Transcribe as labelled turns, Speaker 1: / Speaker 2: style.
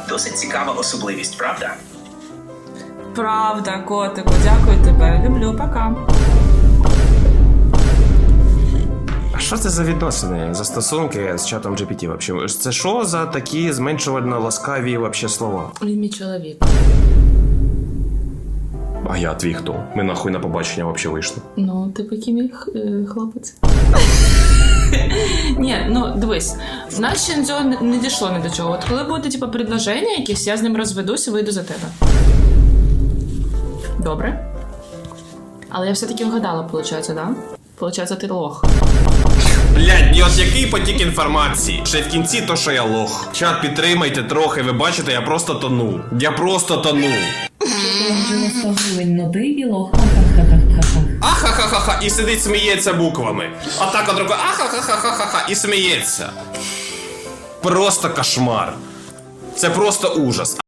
Speaker 1: Досить цікава особливість, правда?
Speaker 2: Правда, котику, дякую тебе. Люблю, пока.
Speaker 3: А що це за відносини, за стосунки з чатом GPT вообще? Це що за такі зменшувально ласкаві вообще слова?
Speaker 2: Він мій чоловік.
Speaker 3: А я твій хто? Ми нахуй на побачення вообще вийшли.
Speaker 2: Ну, ти який мій хлопець. Ні, ну дивись, в нас ще цього не дійшло ні до чого. От коли буде типу, предложення якесь, я з ним розведусь і вийду за тебе. Добре? Але я все-таки вгадала, виходить, да? Получається, ти лох.
Speaker 3: Блядь, от який потік інформації? Ще в кінці то, що я лох. Чат, підтримайте трохи, ви бачите, я просто тону. Я просто тону. Ахахахаха, і сидить сміється буквами. Отак от рукою, ахахахахаха, і сміється. Просто кошмар. Це просто ужас.